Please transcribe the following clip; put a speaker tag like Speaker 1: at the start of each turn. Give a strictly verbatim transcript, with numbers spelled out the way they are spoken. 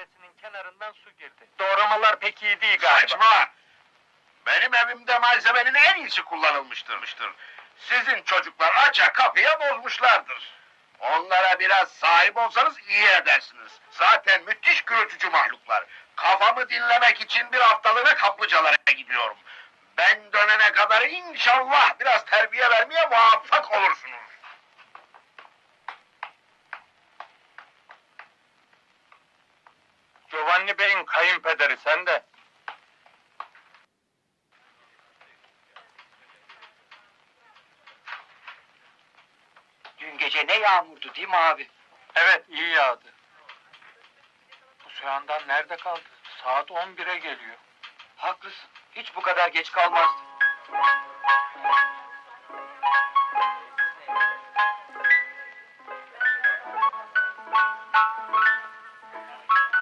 Speaker 1: dairesinin kenarından su girdi. Doğramalar pek iyi değil galiba.
Speaker 2: Saçma! Benim evimde malzemenin en iyisi kullanılmıştır. Sizin çocuklar aça kapıya bozmuşlardır. Onlara biraz sahip olsanız iyi edersiniz. Zaten müthiş gürültücü mahluklar. Kafamı dinlemek için bir haftalığına kaplıcalara gidiyorum. Ben dönene kadar inşallah biraz terbiye vermeye muvaffak olursunuz.
Speaker 1: Giovanni Bey'in kayınpederi sen de.
Speaker 3: Dün gece ne yağmurdu değil mi abi?
Speaker 1: Evet, iyi yağdı. Bu soğandan nerede kaldı? Saat on bire geliyor.
Speaker 3: Haklısın. Hiç bu kadar geç kalmazdı.